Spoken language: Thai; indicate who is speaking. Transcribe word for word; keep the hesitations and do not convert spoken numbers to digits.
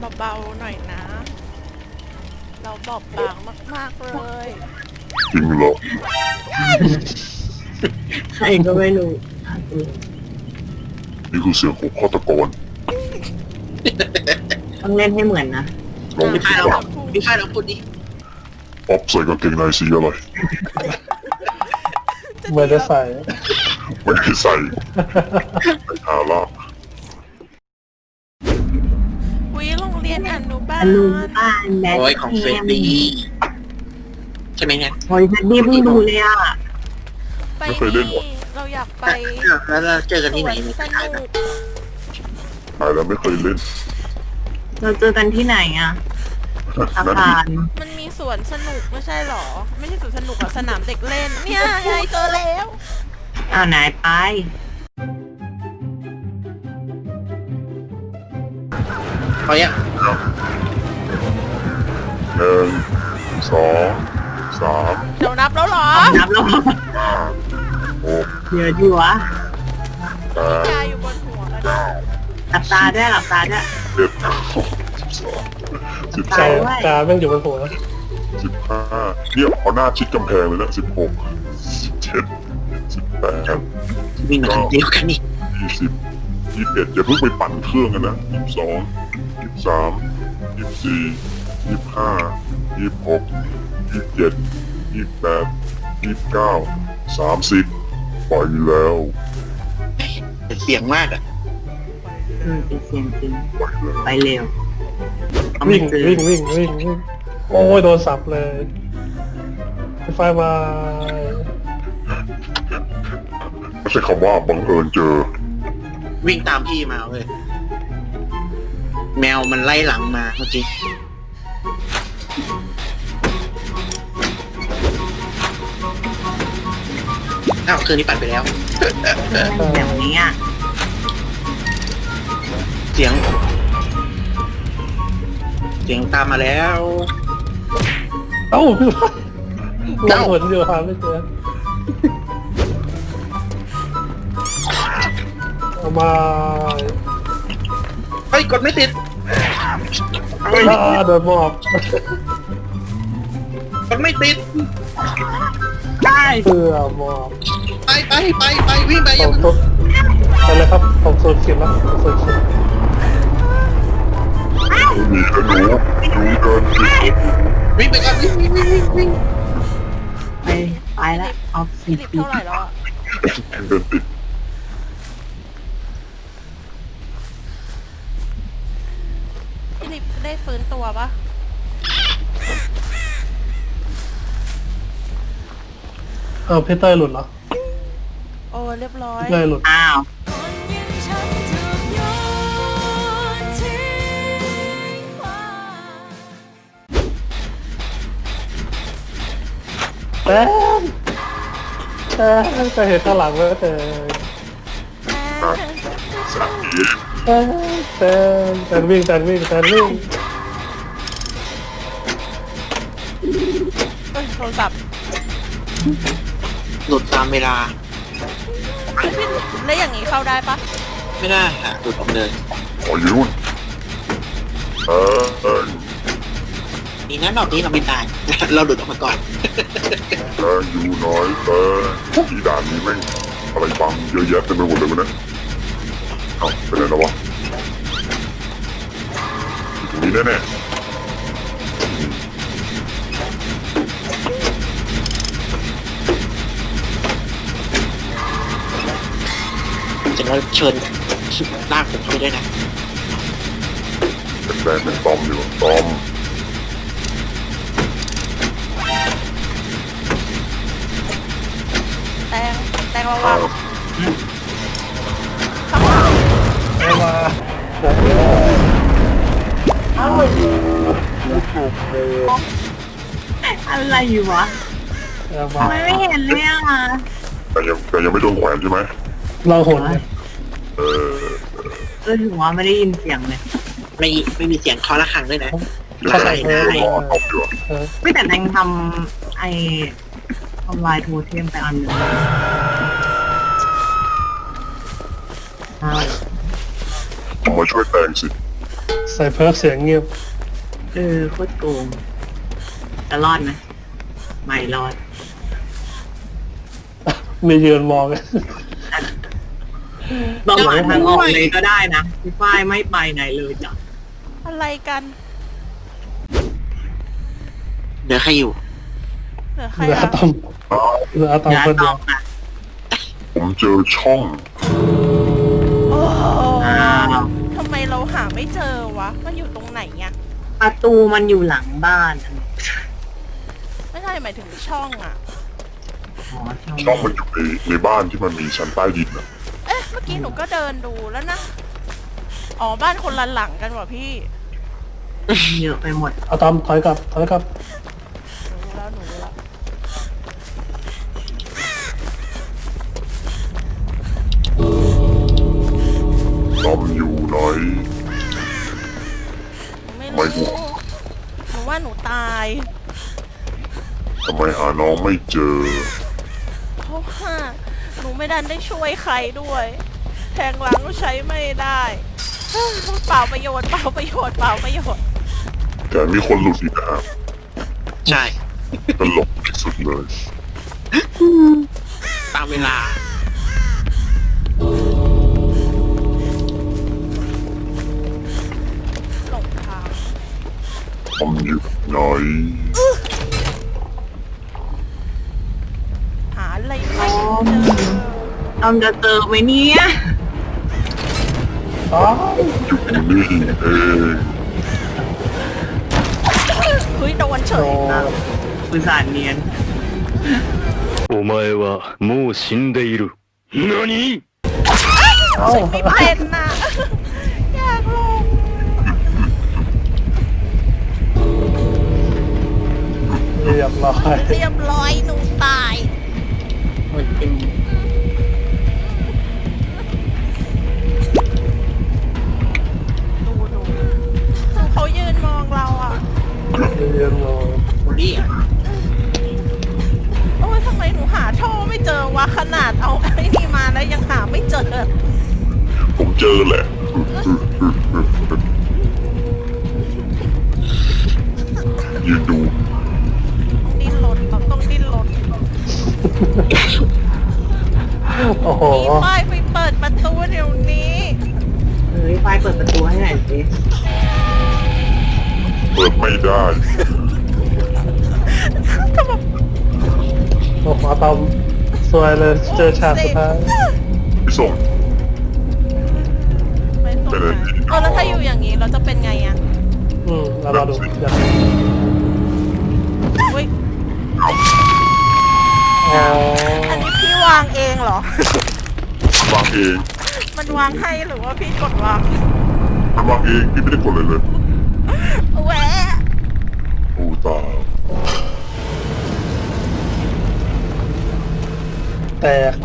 Speaker 1: เบาๆหน่อยนะ เราบอบบางมากๆเลย
Speaker 2: จริงเหรอ
Speaker 3: ใครก็ไม่รู้
Speaker 2: นี่คือเสียงของฆาตกร
Speaker 3: ต้องเล่นให้เหมือนนะ
Speaker 2: ลอง
Speaker 1: ไม่
Speaker 2: คิ
Speaker 1: ใช่
Speaker 2: ด
Speaker 1: เรา
Speaker 2: ว่า
Speaker 1: พูด
Speaker 4: พี่ฝ้ายเราพูดดิ
Speaker 2: ป๊อปใส่กางเกงในสีอะไร
Speaker 5: เหมือนจะใส่
Speaker 2: ไม่ได้ใส่ไปหาลาก
Speaker 1: วิโรงเรียนอนุบา
Speaker 3: อ
Speaker 1: ล
Speaker 3: นุบาลแบท
Speaker 4: โอ้ยของเฟรดดี้ใช่ไหมเนี่ย
Speaker 3: โอ้ยเฟรดดี้เพิ่งดูเลยอ่ะ
Speaker 1: ไปนี่เราอยากไป
Speaker 4: แล้วเราเจอกัน
Speaker 1: ส
Speaker 4: ที่
Speaker 1: ว
Speaker 4: ไหน
Speaker 1: น
Speaker 4: ใน
Speaker 1: ส
Speaker 4: สถาน
Speaker 1: นุก
Speaker 2: หายแล้วไม่เคยเล่น
Speaker 3: เราเจอกันที่ไหนอ่ะอา
Speaker 2: นั่น
Speaker 3: คาร
Speaker 1: มันมีสวนสนุกไม่ใช่หรอ ไม่ใช่สวนสนุกอะสนามเด็กเล่น เนี่ยไงเจอแล้ว
Speaker 3: อ้าวไหนไป
Speaker 4: เขาเนี่ย
Speaker 2: หนึ่งสองสาม
Speaker 1: เดี๋ยวนับแล้วเหรอ
Speaker 3: นับแล้ว
Speaker 2: ห้าหก
Speaker 3: เดี๋ยวดีวะ
Speaker 2: แปด
Speaker 1: ยายอยู่บนหัวกัน
Speaker 2: เก้า
Speaker 3: หลับตาด้วยหลับตาด้วย
Speaker 2: สิบเอ็ดสิบสองสิบ
Speaker 3: ตา
Speaker 2: สาย ม
Speaker 3: ด้วย
Speaker 5: กาแม่งอยู่บนหัว
Speaker 2: สิบห้าเนี่ยเอาหน้าชิดกำแพงเลยนะสิบหกสิบเจ็ดสิบแปด
Speaker 4: วิ่งมาทางเดียวกันนี่
Speaker 2: ยี่สิบยี่สิบเอ็ดอย่าเพิ่งไปปั่นเครื่องกันนะยี่สิบสองยี่สิบสามยี่สิบสี่ยี่สิบห้ายี่สิบหกยี่สิบเจ็ดยี่สิบแปดยี่สิบเก้าสามสิบไปแล้ว
Speaker 4: แต่เสียงมากอ่ะ
Speaker 3: อืมเป็นเสียงจริง
Speaker 2: ไปแล้ว
Speaker 3: ไปเร็วเขาไม่
Speaker 5: วิ่ง
Speaker 3: เจอ
Speaker 5: วิ่งวิ่งวิ่งวิ่งโอ้ยโดนสับเลยไฟไฟมา
Speaker 2: ไม่ใช่คำว่าบังเอิญเจอ
Speaker 4: วิ่งตามพี่มาเว้ยแมวมันไล่หลังมาเมื่อกี้อ้าวคืนนี้ปั่นไปแล้ว
Speaker 3: แบบนี้อ่ะ
Speaker 4: เสียง เสียงตามมาแล้ว
Speaker 5: เอ้าพี่ว่าเราหนอยู่หาไม่เจอเอามา
Speaker 4: เฮ้ยกดไม่ติด
Speaker 5: อ่าโดนมอบ
Speaker 4: กดไม่ติด
Speaker 3: ได้
Speaker 5: เพื่อมอบ
Speaker 4: ไปไปไปไปวิ่งไป
Speaker 5: ส
Speaker 4: ยั
Speaker 5: อง งตัวไปเลยครับผมสูญเสียแล้วผมสูญเสีย
Speaker 2: มีแล้วหนูหนูเดินผิด
Speaker 4: วิ่งไปก่อนวิ่งวิ่งวิ่งวิ่งวิ่ง
Speaker 3: ไปไปแล้วออฟ
Speaker 1: ฟิ
Speaker 3: สิ
Speaker 1: ลิป
Speaker 3: ปี
Speaker 1: เท่าไหร่แล้วอะ
Speaker 2: เดินติด
Speaker 1: ฟิลิปได้ฟื้นตัวปะ
Speaker 5: เอาพี่เต้ยหลุดเหรอ
Speaker 1: โอ้เรียบร้อย
Speaker 5: พี่เต้ยหลุด
Speaker 3: อ้าว
Speaker 5: แต่แต่จะเห็นข้างหลังแล้วแต่
Speaker 2: สามที
Speaker 5: แต่แต่แต่วิ่งแต่วิ่งแต่วิ่ง
Speaker 1: เอ้ยโทรศัพท์
Speaker 4: หลุดตามเวลา
Speaker 1: แล้วอย่างนี้เข้าได้ปะ
Speaker 4: ไม่ได้ค่ะหลุดออกเลย
Speaker 2: ขออยู่นู่นเออเออ
Speaker 4: ดีนะรอบนี้เราไม่ตาย เราหลุดออกมาก่อน
Speaker 2: เอออยู่น้อยเออที่ด่านนี้แม่งอะไรบังเยอะแยะเต็มไปหมดเลยวะเนี่ยเอ้าเป็นไรแล้ววะอยู่ตรงนี้แน่ๆ
Speaker 4: จะเราเชิญลากผมเข้าไปด้วยนะ
Speaker 2: เป็นแบรนด์เป็นตอมอยู่ตอม
Speaker 1: แตงแตงระวัง
Speaker 5: เอามา
Speaker 3: อะไรอยู่วะ
Speaker 5: เอามา
Speaker 3: ทำไมไม่เห็นเลยอ่ะ
Speaker 2: แต่ยังแต่ยังไม่โดนแขวนใช่ไหม
Speaker 5: เราหนเนี่ย
Speaker 2: เออ
Speaker 3: เออถึงว่าไม่ได้ยินเสียงเลย
Speaker 4: ไม่ไม่มีเสียงเคาะระฆังด้วยนะ
Speaker 5: เข้าใจ
Speaker 2: เอ
Speaker 5: ได้
Speaker 2: อรอตอบอยู่อะ
Speaker 5: เออ
Speaker 3: ไม่แต่แดงทำไอ้ทำลายโทเทมไปอันหนึ่งใช่
Speaker 2: ผมมาช่วยแตงสิ
Speaker 5: ใส่เพิร์ฟเสียงเงียบ
Speaker 3: เออโคตรโกงจะรอดไหมไม่รอด
Speaker 5: มียืนมอง
Speaker 3: ต้องหาทางออกเลยก็ได้นะพี่ฝ้ายไม่ไปไหนเลยจ้ะ
Speaker 1: อะไรกัน
Speaker 4: เดี๋ยวใครอยู่
Speaker 1: เหลือใคร
Speaker 5: เหลือ
Speaker 1: อะ
Speaker 5: อะตอมเหลืออะตอม
Speaker 3: อย่า
Speaker 5: คน
Speaker 3: ต
Speaker 5: เดี
Speaker 3: อ
Speaker 5: ยว
Speaker 3: บนะ
Speaker 2: ผมเจอช่อง
Speaker 1: โอ้โห
Speaker 3: อ้าว
Speaker 1: ทำไมเราหาไม่เจอวะ มันอยู่ตรงไหนอะ
Speaker 3: ประตูมันอยู่หลังบ้าน
Speaker 1: ไม่ใช่หมายถึงช่องอะ
Speaker 3: อ๋อ
Speaker 2: ช่องมันอยู่ในในบ้านที่มันมีชั้นใต้ดินอะ
Speaker 1: เอ๊ะ เมื่อกี้หนูก็เดินดูแล้วนะ อ๋อ บ้านคนละหลังกันว่ะพี่
Speaker 3: เยอะไปหมด
Speaker 5: อะตอมถอยกลับถอยกลับ
Speaker 1: หนูรู้แล้วหนูรู้แล้ว
Speaker 2: ตอมอยู่ไหน
Speaker 1: หนูไม่
Speaker 2: ไม่
Speaker 1: รู้
Speaker 2: รู้
Speaker 1: หนูว่าหนูตาย
Speaker 2: ทำไมหาน้องไม่เจอ
Speaker 1: เพราะว่าหนูไม่ดันได้ช่วยใครด้วย แทงหลังก็ใช้ไม่ได้ เปล่าประโยชน์เปล่าประโยชน์เปล่าประโยชน์
Speaker 2: แต่มีคนหลุดอีกนะครับ
Speaker 4: ใช่
Speaker 2: ตลกที่สุดเลย
Speaker 4: ตามเวลา
Speaker 1: หลงทาง
Speaker 2: ตอมอยู่ไหน
Speaker 1: หาอะไรไม่เจอ
Speaker 3: ตอมจะเจอไหมเนี่ย
Speaker 5: อ๋อ
Speaker 2: อยู่นี่เอง
Speaker 1: เฮ้ยโดนเฉ
Speaker 5: โด
Speaker 1: ย
Speaker 5: น
Speaker 3: อุตส่าห์เนียน
Speaker 6: お前はもう死んでいる。何
Speaker 5: เอ้า
Speaker 1: ไม่เป็นน่ะ อยากลง
Speaker 5: เรียบร้อย
Speaker 1: เรียบร้อยหนูตาย
Speaker 3: หมดจริง
Speaker 1: ดูดูดูเขายืนมองเราอ่ะ
Speaker 5: เรียนมอง
Speaker 4: โอลี่อ่ะ
Speaker 1: โอ้ยทำไมหนูหาท่อไม่เจอวะขนาดเอาไอ้นี่มาแล้วยังหาไม่เจอ
Speaker 2: ผมเจอแหละ ยืนดู
Speaker 1: ต้องดิ้นรนเราต้องดิ้นรน
Speaker 5: โอ้โห
Speaker 1: มีป้ายไปเปิดประตูเดี๋ยวนี้
Speaker 3: เฮ้ยฝ้ายเปิดประตูให้หน่อยสิ
Speaker 2: เปิดไม่ได้
Speaker 5: โอ้โหอะตอมสวยเลยเจอฉากสุดท้าย
Speaker 2: พี่ส่ง
Speaker 1: ไม่ตรงไหนเออแล้วถ้าอยู่อย่างนี้เราจะเป็นไงอ่ะ
Speaker 5: อืมเรารอดูอยาก
Speaker 1: อุ้ย
Speaker 5: อ๋อ
Speaker 1: อันนี้พี่วางเองเหรอ
Speaker 2: วางเอง
Speaker 1: มันวางให้หรือว่าพี่กดวาง
Speaker 2: มันวางเองพี่ไม่ได้กดเลยเลย
Speaker 1: แหวะ
Speaker 2: โอ้ตาย
Speaker 5: แตก